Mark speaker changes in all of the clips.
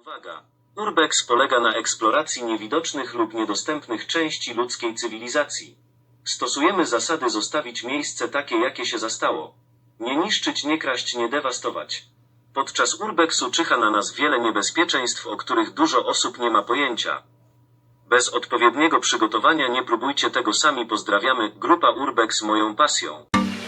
Speaker 1: Uwaga! Urbex polega na eksploracji niewidocznych lub niedostępnych części ludzkiej cywilizacji. Stosujemy zasady zostawić miejsce takie, jakie się zastało. Nie niszczyć, nie kraść, nie dewastować. Podczas urbexu czyha na nas wiele niebezpieczeństw, o których dużo osób nie ma pojęcia. Bez odpowiedniego przygotowania nie próbujcie tego sami. Pozdrawiamy, grupa Urbex, moją pasją.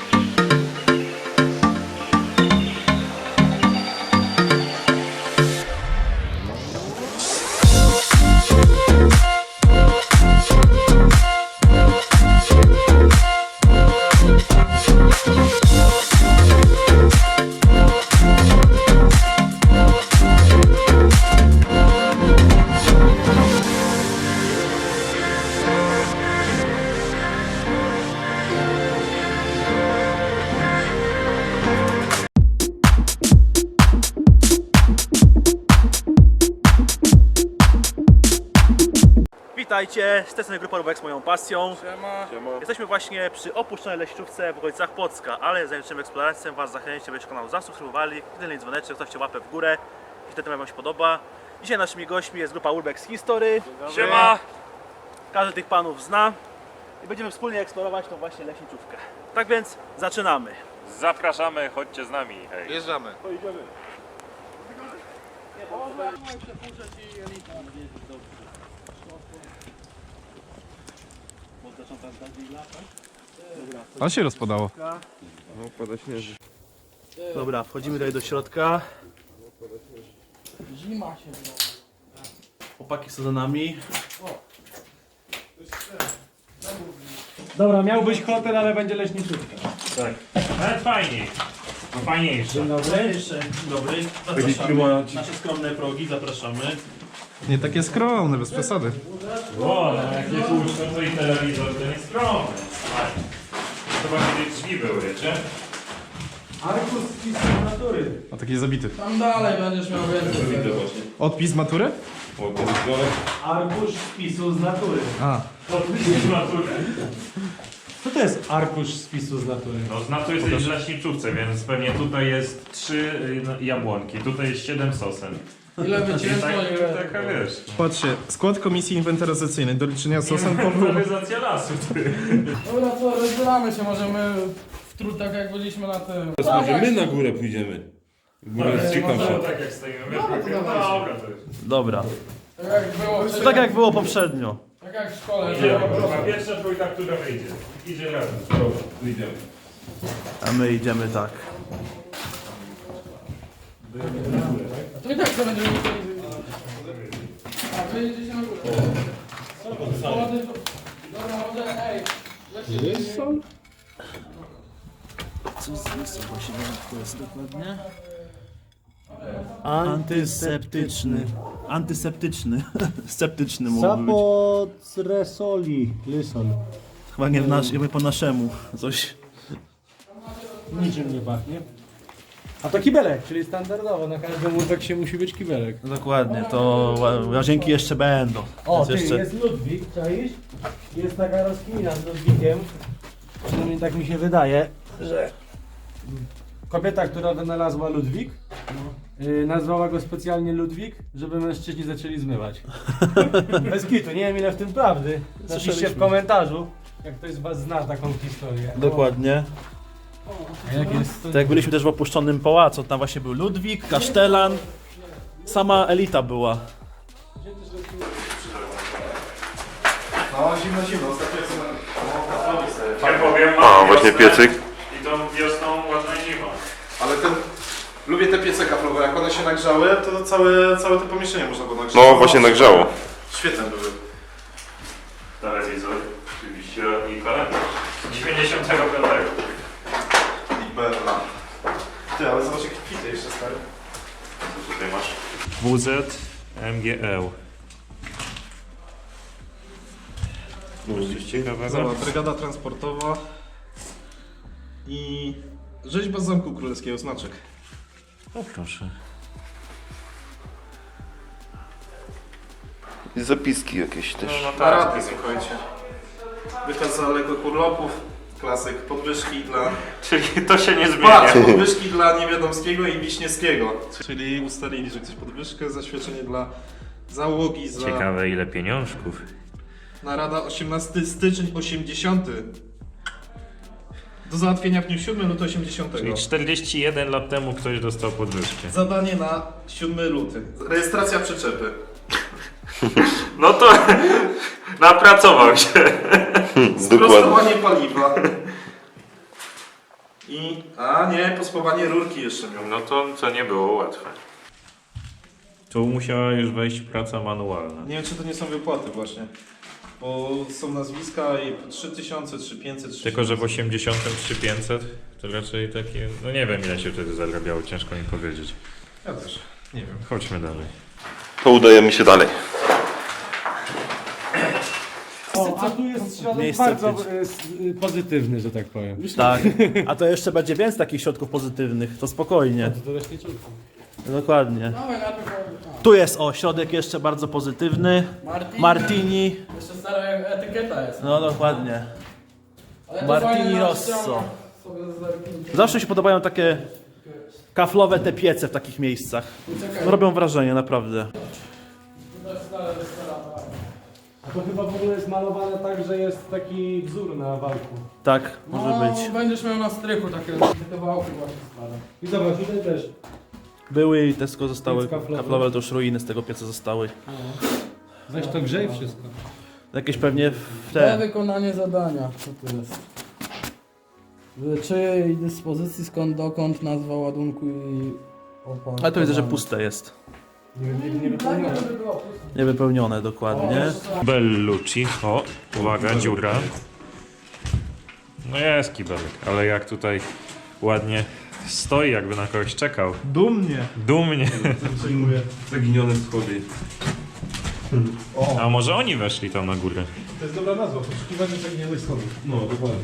Speaker 2: Witajcie, z tej strony grupa Urbex, moją pasją.
Speaker 3: Siema.
Speaker 2: Jesteśmy właśnie przy opuszczonej leśniczówce w okolicach Płocka, ale zanim zaczniemy eksplorację, Was zachęcam, żebyście kanał zasubskrybowali, kliknęli dzwoneczek, zostawcie łapę w górę i wtedy Wam się podoba. Dzisiaj naszymi gośćmi jest grupa Urbex History.
Speaker 3: Siema.
Speaker 2: Każdy tych panów zna i będziemy wspólnie eksplorować tą właśnie leśniczówkę. Tak więc zaczynamy.
Speaker 3: Zapraszamy, chodźcie z nami. Hej.
Speaker 4: Jeżdżamy.
Speaker 2: Pojedziemy.
Speaker 4: On się rozpadało.
Speaker 2: Dobra, wchodzimy tutaj do środka.
Speaker 5: Zima się
Speaker 2: Chłopaki są za nami.
Speaker 5: Dobra, miał być hotel, ale będzie leśniczówka.
Speaker 3: Tak. Ale fajniej. No fajniejsze.
Speaker 5: Dzień dobry.
Speaker 2: Dzień dobry. Zapraszamy. Nasze skromne progi, zapraszamy.
Speaker 4: Nie takie skromne, bez przesady.
Speaker 3: O, no jak nie puszczą, to i telewizor to nie skromny. To chyba kiedyś drzwi były, wiecie?
Speaker 5: Arkus spisu natury.
Speaker 4: A taki zabity.
Speaker 5: Tam dalej będziesz miał więcej.
Speaker 4: Odpis z matury?
Speaker 5: Arkusz spisu z natury.
Speaker 4: A,
Speaker 3: Odpis z natury.
Speaker 5: Co to jest arkusz spisu z natury?
Speaker 3: No z natury jesteś w leśniczówce, więc pewnie tutaj jest 3 jabłonki, tutaj jest 7 sosen.
Speaker 5: Ile
Speaker 3: I
Speaker 5: wycięto, ile...
Speaker 3: taka wiesz.
Speaker 4: patrzcie, skład komisji inwentaryzacyjnej do liczenia sosen powrót.
Speaker 3: Inwentaryzacja lasu.
Speaker 5: Dobra, co, rozbieramy się, możemy w trud, tak jak byliśmy na tym.
Speaker 6: Teraz może my na górę pójdziemy. Góra jest ciekawsza.
Speaker 3: Tak jak stoimy. Wiesz,
Speaker 5: dawajcie.
Speaker 3: dobra, to jest.
Speaker 2: Dobra.
Speaker 5: Tak jak było,
Speaker 2: Tak jak było poprzednio.
Speaker 5: tak jak w szkole.
Speaker 3: Idziemy, kurwa, pierwsza trójka, która wyjdzie. Idzie razem.
Speaker 6: Dobra, wyjdziemy.
Speaker 2: A my idziemy tak.
Speaker 5: A to i tak to będziemy musieli... A, wy jedziecie na górę. Dobra, może, ej. Jest sol?
Speaker 2: Co właśnie to jest dokładnie? Antyseptyczny. Antyseptyczny. Sceptyczny mógł być.
Speaker 7: Sapotresoli, lysol.
Speaker 2: Chyba nie, nie po naszemu. Coś.
Speaker 7: Niczym nie pachnie. A to kibelek, czyli standardowo, na każdym łóżek musi być kibelek.
Speaker 2: Dokładnie, to łazienki jeszcze będą.
Speaker 7: O,
Speaker 2: Więc
Speaker 7: ty,
Speaker 2: jeszcze...
Speaker 7: jest Ludwik, czaisz? Jest taka rozkmina z Ludwikiem. Przynajmniej tak mi się wydaje, że kobieta, która wynalazła Ludwik, nazwała go specjalnie Ludwik, żeby mężczyźni zaczęli zmywać. Bez kitu, nie wiem ile w tym prawdy. Napiszcie w komentarzu, jak ktoś z was zna taką historię.
Speaker 2: Dokładnie.
Speaker 7: A jak jest to...
Speaker 2: Tak jak byliśmy też w opuszczonym pałacu, tam właśnie był Ludwik, kasztelan. Sama elita była.
Speaker 4: No, zimno, ostatnio
Speaker 3: Ja powiem,
Speaker 6: A, właśnie piecyk.
Speaker 3: I tą wiosną ładna zima.
Speaker 4: Ale lubię te piece kaflowe, jak one się nagrzały, to całe to pomieszczenie można było nagrzać.
Speaker 6: No, właśnie nagrzało.
Speaker 4: Świetne były.
Speaker 3: Telewizor, oczywiście i kalendarz. 95.
Speaker 4: I Berla. Ty, ale zobacz jakie kwity jeszcze stary.
Speaker 3: Co tutaj masz? WZ MGL. Coś ciekawego.
Speaker 4: Zobacz, brygada transportowa i rzeźba z Zamku Królewskiego, znaczek.
Speaker 3: O proszę.
Speaker 6: I zapiski jakieś też.
Speaker 3: No tak,
Speaker 4: Parady, słuchajcie. Wykaz zaległych urlopów. Klasyk, podwyżki dla...
Speaker 3: Czyli to się nie
Speaker 4: Patrz,
Speaker 3: zmienia.
Speaker 4: podwyżki dla Niewiadomskiego i Wiśniewskiego. Czyli ustalili, że ktoś podwyżkę, zaświadczenie dla załogi za...
Speaker 3: Ciekawe ile pieniążków.
Speaker 4: Narada 18 styczeń 80. Do załatwienia w dniu 7 luty 80.
Speaker 3: Czyli 41 lat temu ktoś dostał podwyżkę.
Speaker 4: Zadanie na 7 luty. Rejestracja przyczepy.
Speaker 3: No to napracował się.
Speaker 4: Sprostowanie paliwa. I... A nie, pospowanie rurki jeszcze miał.
Speaker 3: No to nie było łatwe. Tu musiała już wejść praca manualna.
Speaker 4: Nie wiem, czy to nie są wypłaty właśnie. Bo są nazwiska i 3000, 3500,
Speaker 3: Tylko, że w 83 to raczej takie... No nie wiem ile się wtedy zarabiało, ciężko mi powiedzieć.
Speaker 4: Ja też. Nie wiem.
Speaker 3: Chodźmy dalej.
Speaker 6: To udajemy się dalej.
Speaker 7: O, a tu jest środek
Speaker 2: Miejsce
Speaker 7: bardzo
Speaker 2: pić.
Speaker 7: pozytywny, że tak powiem.
Speaker 2: Tak. A to jeszcze będzie więcej takich środków pozytywnych, to spokojnie.
Speaker 7: To leśniczówka.
Speaker 2: Dokładnie.
Speaker 5: Dawaj, najpierw...
Speaker 2: Tu jest środek jeszcze bardzo pozytywny. Martini.
Speaker 5: Jeszcze stara etykieta jest.
Speaker 2: No dokładnie.
Speaker 5: Ale to
Speaker 2: Martini
Speaker 5: fajnie na
Speaker 2: Rosso.
Speaker 5: ścianach sobie zerknijcie.
Speaker 2: Zawsze mi się podobają takie kaflowe te piece w takich miejscach.
Speaker 5: Czekaj.
Speaker 2: Robią wrażenie, naprawdę.
Speaker 5: To jest stara restauracja.
Speaker 7: A to chyba w ogóle jest malowane tak, że jest taki wzór na walku.
Speaker 2: Tak, może
Speaker 5: No,
Speaker 2: być.
Speaker 5: będziesz miał na strychu takie kawałki właśnie stare.
Speaker 7: I zobacz, tutaj też.
Speaker 2: Były i Tesco zostały
Speaker 7: Piec kaflowy.
Speaker 2: kaflowe, to już ruiny z tego pieca zostały.
Speaker 7: Weź to grzej wszystko.
Speaker 2: Jakieś pewnie
Speaker 5: Te wykonanie zadania. Co tu jest? W czyjej dyspozycji, skąd, dokąd, nazwa ładunku i opakowanie.
Speaker 2: Ale to widzę, że puste jest.
Speaker 7: Nie wypełnione.
Speaker 2: Niewypełnione dokładnie.
Speaker 3: Bellucci. O, uwaga, dziura. No jest kibelek, ale jak tutaj ładnie stoi, jakby na kogoś czekał.
Speaker 4: Dumnie.
Speaker 3: Dumnie.
Speaker 6: Zaginione schody.
Speaker 3: A może oni weszli tam na górę?
Speaker 4: To jest dobra nazwa, poszukiwanie zaginionych schodów.
Speaker 6: No, dokładnie.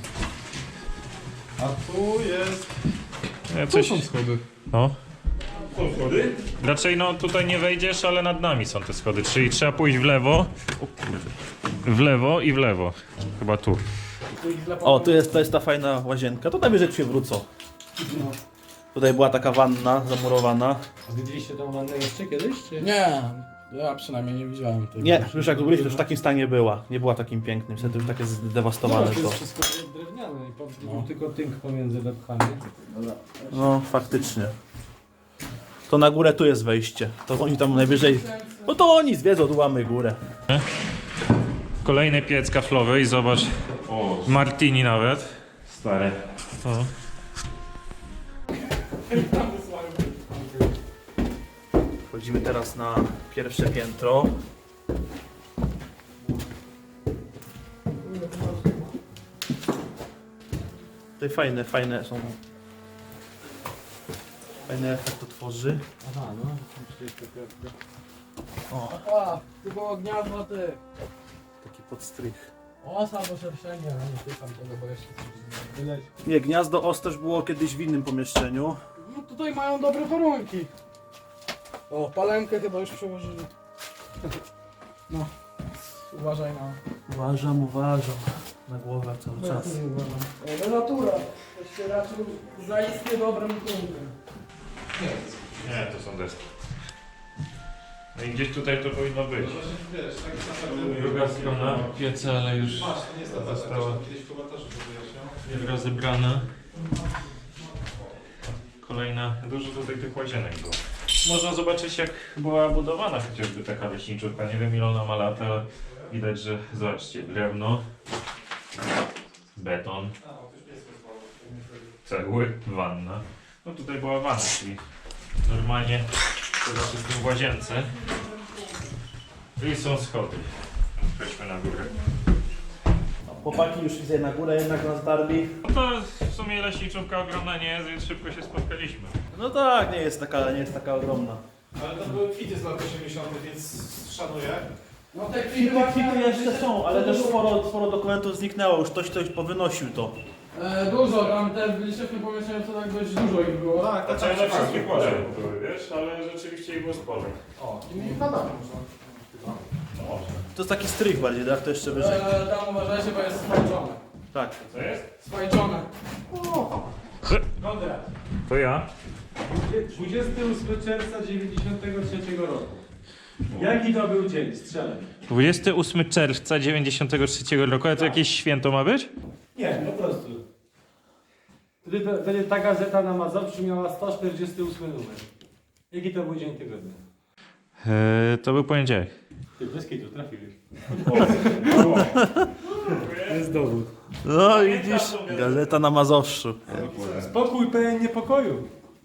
Speaker 4: A tu jest...
Speaker 3: Coś...
Speaker 4: schody.
Speaker 3: No.
Speaker 6: Są schody?
Speaker 3: Raczej no tutaj nie wejdziesz, ale nad nami są te schody, czyli trzeba pójść w lewo. O kurde. W lewo i w lewo. Chyba tu.
Speaker 2: O, to jest ta fajna łazienka. To najwyżej się wrócą. Tutaj była taka wanna zamurowana.
Speaker 7: A widzieliście tą wannę jeszcze kiedyś? Czy?
Speaker 5: Nie, ja przynajmniej nie widziałem tego.
Speaker 2: Nie, już jak byliśmy, to już w takim stanie była. Nie była takim pięknym, wtedy już takie zdewastowane
Speaker 7: To
Speaker 2: to.
Speaker 7: jest wszystko drewniane i był tylko tynk pomiędzy lepkami.
Speaker 2: No, faktycznie. To na górę tu jest wejście. To oni tam najwyżej... No to oni zwiedzą, tu mamy górę.
Speaker 3: Kolejny piec kaflowy i zobacz.
Speaker 6: O,
Speaker 3: Martini nawet. Stare. O.
Speaker 2: Wchodzimy teraz na pierwsze piętro. Tutaj fajne są. Fajny efekt to tworzy.
Speaker 7: Aha, no. Przecież
Speaker 2: O,
Speaker 5: A, tu było gniazdo ty.
Speaker 2: taki podstrych.
Speaker 5: Osa, bo szerszenie, a nie tykam tego, bo jeszcze coś
Speaker 7: wyleci.
Speaker 2: Nie, gniazdo os też było kiedyś w innym pomieszczeniu.
Speaker 5: No tutaj mają dobre warunki. O, palemkę chyba już przełożyli. No, uważaj na...
Speaker 2: Uważam na głowę cały czas.
Speaker 5: No natura, to się raczył zaistnie dobrym punktem.
Speaker 3: Nie, to są deski. No i gdzieś tutaj to powinno być.
Speaker 4: Wiesz, tak
Speaker 3: Druga strona pieca, ale już
Speaker 4: Masz, to nie jest ta
Speaker 3: została
Speaker 4: kiedyś w komentarzu to wyjaśniał.
Speaker 3: rozebrana. Kolejna, dużo tutaj tych łazienek było. Można zobaczyć jak była budowana chociażby taka leśniczówka. Nie wiem ile ona ma lat, ale widać, że zobaczcie, drewno, beton, cegły, wanna. No tutaj była wanna, czyli normalnie to znaczy w tym łazience. I są schody. Chodźmy na górę.
Speaker 2: Chłopaki już widzę na górę jednak nas darli.
Speaker 3: No to w sumie leśniczówka ogromna nie jest, więc szybko się spotkaliśmy.
Speaker 2: No tak, nie jest taka ogromna.
Speaker 4: Ale to były kwity z lat 80., więc szanuję.
Speaker 5: No te
Speaker 2: Kwity jeszcze są, ale też sporo dokumentów zniknęło, już ktoś powynosił to.
Speaker 5: Dużo, tam te byliśmy w tym pomieszczeniu, to tak dość dużo ich było.
Speaker 4: Tak, tak,
Speaker 3: Znaczy,
Speaker 4: tak.
Speaker 3: że wszystkich łazienki były, wiesz, ale rzeczywiście ich było sporo.
Speaker 4: O,
Speaker 5: I badamy
Speaker 2: To jest taki strych bardziej, tak? To jeszcze wyżej.
Speaker 5: Tam uważajcie, bo jest skończone.
Speaker 2: Tak.
Speaker 3: Co jest?
Speaker 5: Swajczone.
Speaker 7: Konrad.
Speaker 3: To ja.
Speaker 7: 28 czerwca 93 roku. Jaki to był dzień? Strzelaj.
Speaker 3: 28 czerwca 93 roku, a to jakieś święto ma być?
Speaker 7: Nie, po prostu. Wtedy ta gazeta na Mazowszu miała 148 numer. Jaki to był dzień tygodnia?
Speaker 3: To był poniedziałek.
Speaker 7: Ty, bez kitu, trafiłeś.
Speaker 2: No widzisz, gazeta na Mazowszu.
Speaker 7: Spokój pełen niepokoju.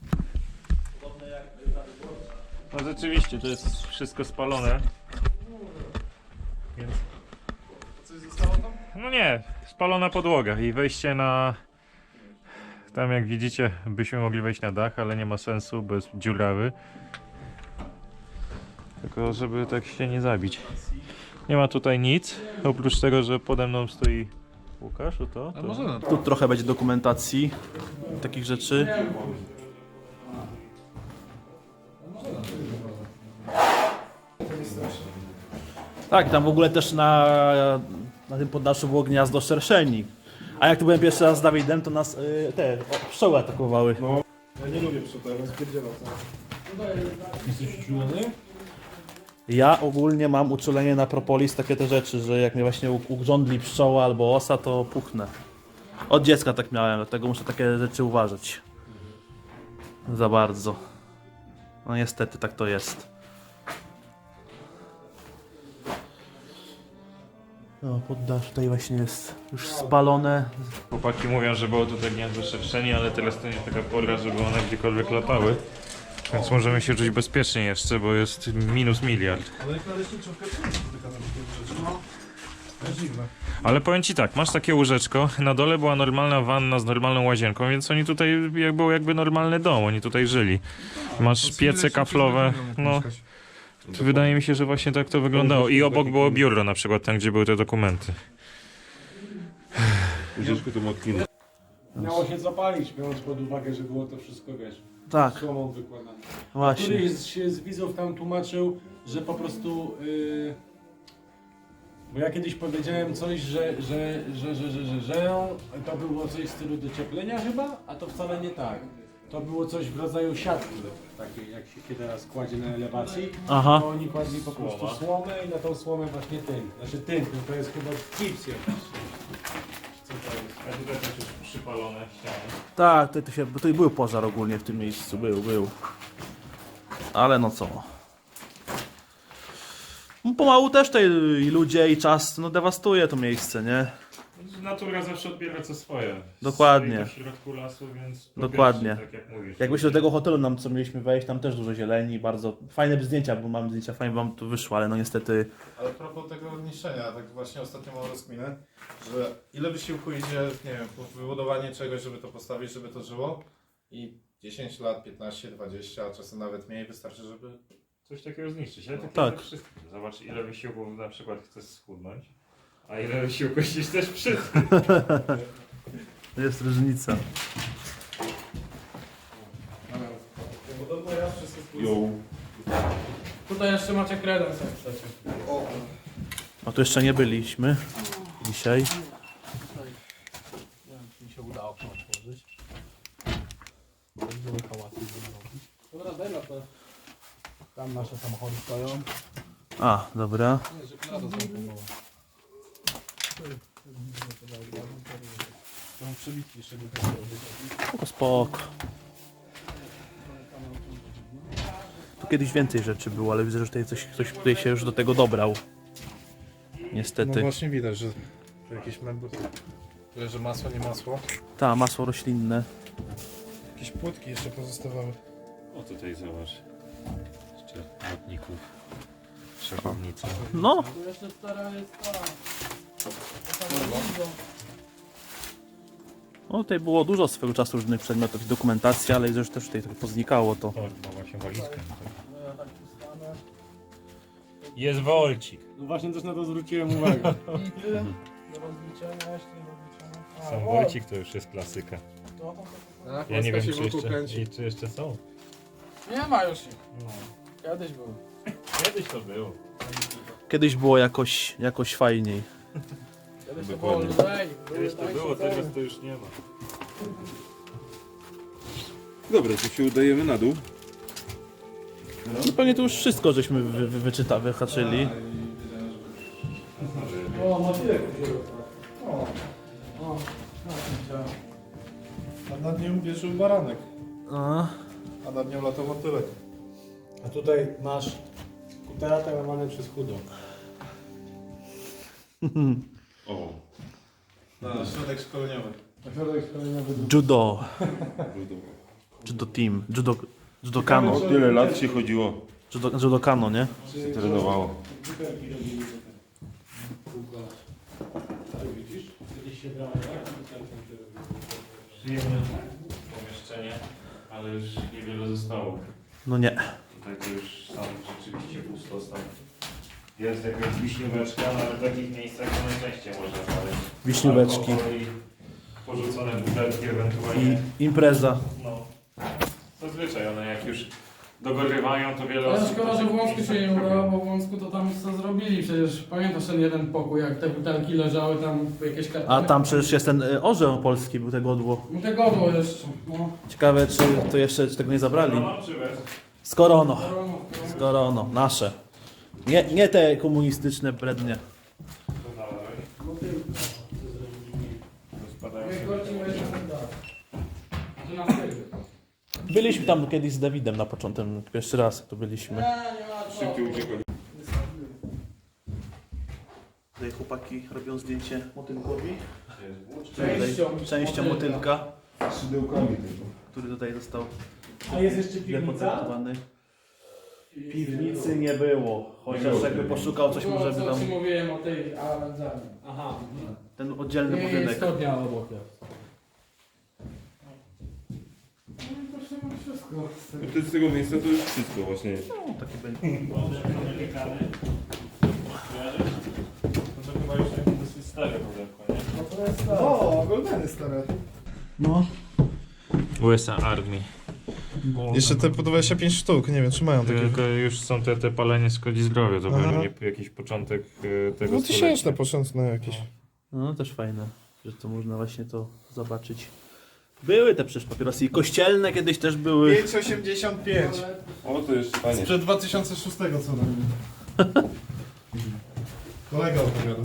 Speaker 3: No rzeczywiście, to jest wszystko spalone. Więc...
Speaker 4: Coś zostało tam?
Speaker 3: No nie, spalona podłoga i wejście na... Tam jak widzicie, byśmy mogli wejść na dach, ale nie ma sensu, bo jest dziurawy. Tylko żeby tak się nie zabić. Nie ma tutaj nic, oprócz tego, że pode mną stoi Łukasz, o to?
Speaker 2: Tu trochę będzie dokumentacji, takich rzeczy. Tak, tam w ogóle też na tym poddaszu było gniazdo szerszeni. A jak tu byłem pierwszy raz z Dawidem, to nas pszczoły atakowały.
Speaker 4: Ja nie lubię pszczół, spierdzielam.
Speaker 7: Jesteś uczulony?
Speaker 2: Ja ogólnie mam uczulenie na propolis, takie te rzeczy, że jak mnie właśnie ugrządli pszczoła albo osa, to puchnę. Od dziecka tak miałem, dlatego muszę takie rzeczy uważać. Za bardzo. No niestety tak to jest. No, poddasz tutaj właśnie jest już spalone.
Speaker 3: Chłopaki mówią, że było tutaj gniazdo szerszeni, ale teraz to nie taka pora, żeby one gdziekolwiek latały. Więc możemy się czuć bezpiecznie jeszcze, bo jest minus miliard.
Speaker 4: Ale jak na leśniczówkę to nie spotyka na takie rzeczy. No. To jest dziwne.
Speaker 3: Ale powiem ci tak, masz takie łóżeczko, na dole była normalna wanna z normalną łazienką, więc oni tutaj był jakby normalny dom, oni tutaj żyli. Masz piece kaflowe, no wydaje mi się, że właśnie tak to wyglądało. I obok było biuro na przykład, tam gdzie były te dokumenty.
Speaker 6: Ucieczku to motkiny.
Speaker 7: Miało się zapalić, biorąc pod uwagę, że było to wszystko, wiesz,
Speaker 2: Tak,
Speaker 7: słomą wykładane.
Speaker 2: właśnie.
Speaker 7: Któryś z widzów tam tłumaczył, że po prostu... bo ja kiedyś powiedziałem coś, że to było coś w stylu docieplenia chyba, a to wcale nie tak. To było coś w rodzaju siatki, takiej jak się teraz kładzie na elewacji.
Speaker 2: Aha.
Speaker 7: To oni kładli po prostu słomę i na tą słomę właśnie tynk. Znaczy tynk, no to jest chyba gips jakiś. Co to jest?
Speaker 3: A tutaj też już przypalone ściany.
Speaker 2: Tak, tutaj był pożar ogólnie w tym miejscu, był. Ale no co. No, pomału też tutaj i ludzie i czas dewastuje to miejsce, nie?
Speaker 3: Natura zawsze odbiera co swoje.
Speaker 2: Dokładnie.
Speaker 3: Stoi to w środku lasu, więc
Speaker 2: Dokładnie.
Speaker 3: tak jak mówisz.
Speaker 2: Jak myślę do tego hotelu nam co mieliśmy wejść, tam też dużo zieleni, bardzo fajne zdjęcia, bo mam zdjęcia, fajnie wam tu wyszło, ale no niestety...
Speaker 4: Ale a propos tego niszczenia, tak właśnie ostatnio mam rozkminę, że ile wysiłku idzie, nie wiem, w wybudowanie czegoś, żeby to postawić, żeby to żyło i 10 lat, 15, 20, a czasem nawet mniej wystarczy, żeby...
Speaker 3: Coś takiego zniszczyć, ale
Speaker 2: Tak.
Speaker 3: wszystko. Zobacz ile wysiłku na przykład chcesz schudnąć, a ile wysiłku chcesz wszystko.
Speaker 2: Jest różnica.
Speaker 4: Podobno ja wszystko
Speaker 5: Tutaj jeszcze macie kredens jak chcecie.
Speaker 2: No tu jeszcze nie byliśmy dzisiaj.
Speaker 5: Mi się udało okno otworzyć. Były hałasy robić. Dobra, daj na to. Tam nasze samochody stoją.
Speaker 2: A, dobra.
Speaker 5: Nie, że klada zamknęła. Mam przebitki jeszcze do tego.
Speaker 2: Spoko. Tu kiedyś więcej rzeczy było, ale widzę, że tutaj ktoś tutaj się już do tego dobrał. Niestety.
Speaker 4: No właśnie widać, że to jakieś meble. Tyle, że masło, nie masło.
Speaker 2: Ta, masło roślinne.
Speaker 4: Jakieś płytki jeszcze pozostawały.
Speaker 3: O tutaj zobacz. Jeszcze lotników. Szachownica.
Speaker 2: No,
Speaker 5: Tu jeszcze stara jest ta.
Speaker 2: no tutaj było dużo swego czasu różnych przedmiotów i dokumentacji, ale widzę, że też tutaj trochę poznikało to.
Speaker 3: O, chyba właśnie walizkę. Jest wolcik.
Speaker 7: No właśnie też na to zwróciłem uwagę.
Speaker 5: I ty do rozliczenia jeszcze do rozliczenia.
Speaker 3: Sam wolcik to już jest klasyka.
Speaker 4: Tak,
Speaker 3: Ja nie wiem, czy
Speaker 4: wokół
Speaker 3: jeszcze,
Speaker 4: kręci.
Speaker 3: czy jeszcze są.
Speaker 5: Nie ma już ich. Kiedyś był.
Speaker 3: Kiedyś to było.
Speaker 2: Kiedyś było jakoś fajniej.
Speaker 6: Dokładnie.
Speaker 3: Kiedyś to było, teraz to już nie ma.
Speaker 6: Dobra, to się udajemy na dół.
Speaker 2: No pewnie to już wszystko żeśmy wyhaczyli.
Speaker 5: O, motylek się
Speaker 4: A nad nią wierzył baranek,
Speaker 2: A,
Speaker 4: a nad nią latał motylek.
Speaker 7: A tutaj masz kutera tak łamane przez chudo.
Speaker 6: O,
Speaker 4: Na środek szkoleniowy.
Speaker 2: judo. Judo team. Judokano.
Speaker 6: tyle lat się chodziło,
Speaker 2: Judokano, nie?
Speaker 6: się trenowało.
Speaker 3: Przyjemne pomieszczenie, ale już niewiele zostało.
Speaker 2: No nie.
Speaker 3: Tutaj to już sam rzeczywiście pustostan. Jest jakaś wiśnióweczka, ale w takich miejscach to najczęściej można znaleźć.
Speaker 2: Wiśnióweczki.
Speaker 3: Alkohol i porzucone butelki ewentualnie.
Speaker 2: I impreza.
Speaker 3: No. Zazwyczaj one jak już dogorywają, to wiele
Speaker 5: Ale
Speaker 3: osób...
Speaker 5: szkoda, że w Łąsku się nie udało, bo w Łąsku to tam co zrobili. Przecież pamiętasz ten jeden pokój, jak te butelki leżały tam jakieś kartony.
Speaker 2: A tam przecież jest ten orzeł polski, był tego odło.
Speaker 5: No tego było jeszcze. No.
Speaker 2: Ciekawe, czy to jeszcze tego nie zabrali.
Speaker 3: No, czy bez?
Speaker 2: Z korono. Z korono. Nasze. Nie te komunistyczne brednie.
Speaker 3: To znalazłeś? Rozpadają się.
Speaker 2: Byliśmy tam kiedyś z Dawidem na początek, pierwszy raz jak tu byliśmy.
Speaker 6: Szybciej uciekali.
Speaker 2: Tutaj chłopaki robią zdjęcie motylkowi.
Speaker 5: Częścią
Speaker 2: motylka,
Speaker 6: Szydełkami tylko.
Speaker 2: który tutaj został
Speaker 7: A jest jeszcze piwnica?
Speaker 2: depozytowany. Piwnicy nie było, chociaż jakby poszukał coś może by
Speaker 5: Co
Speaker 2: tam...
Speaker 5: ci mówiłem o tej awangardzie.
Speaker 7: Aha.
Speaker 2: Ten oddzielny
Speaker 5: Nie,
Speaker 2: budynek.
Speaker 5: jest studnia obok jest. No i to się ma wszystko.
Speaker 6: No to z tego miejsca to już wszystko właśnie.
Speaker 2: No, taki będzie.
Speaker 3: Amerykany. Kojarzysz? No to chyba już takie dosyć stare pudełko, nie?
Speaker 5: No to jest tak.
Speaker 4: O, Goldeny stare.
Speaker 5: No.
Speaker 3: USA Army.
Speaker 4: Jeszcze te po 25 sztuk, nie wiem czy mają takie.
Speaker 3: Tylko już są te palenie szkodzi zdrowiu, to
Speaker 4: Aha.
Speaker 3: pewnie jakiś początek tego
Speaker 4: No tysięczne
Speaker 3: stulecia.
Speaker 4: początne jakieś.
Speaker 2: No też fajne, że to można właśnie to zobaczyć. Były te przecież papierosy i kościelne kiedyś też były.
Speaker 4: 5,85.
Speaker 6: O, to jeszcze fajnie.
Speaker 4: Sprzed 2006 co najmniej. Kolega opowiadał.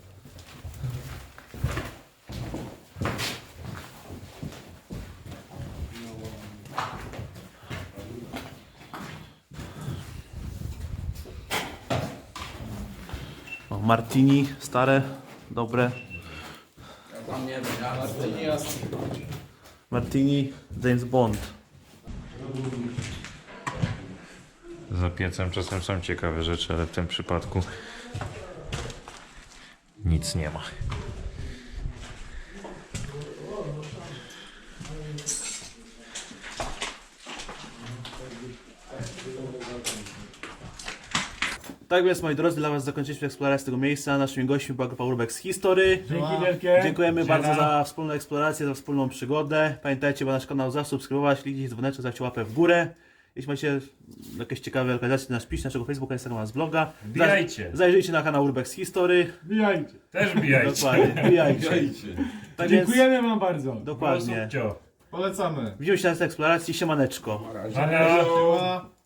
Speaker 2: O, Martini, stare, dobre.
Speaker 5: Tam nie wiem, ja to nie jasne.
Speaker 2: Martini, James Bond.
Speaker 3: Za piecem czasem są ciekawe rzeczy, ale w tym przypadku nic nie ma.
Speaker 2: Tak więc, moi drodzy, dla Was zakończyliśmy eksplorację tego miejsca. Naszymi gośćmi była grupa Urbex History.
Speaker 7: Dzięki wielkie.
Speaker 2: Dziękujemy bardzo za wspólną eksplorację, za wspólną przygodę. Pamiętajcie, by nasz kanał zasubskrybować, kliknijcie dzwoneczek, zostawcie łapę w górę. Jeśli macie jakieś ciekawe lokalizacje, to nas piszcie, naszego Facebooka, Instagrama, z bloga.
Speaker 3: Wbijajcie.
Speaker 2: Zajrzyjcie na kanał Urbex History.
Speaker 7: Bijajcie.
Speaker 3: Też bijajcie.
Speaker 2: Dokładnie, wbijajcie. Tak więc,
Speaker 7: Dziękujemy wam bardzo.
Speaker 2: dokładnie.
Speaker 4: Polecamy.
Speaker 2: Widzimy się na tej eksploracji. Siemaneczko.
Speaker 3: Ania.
Speaker 4: Siema.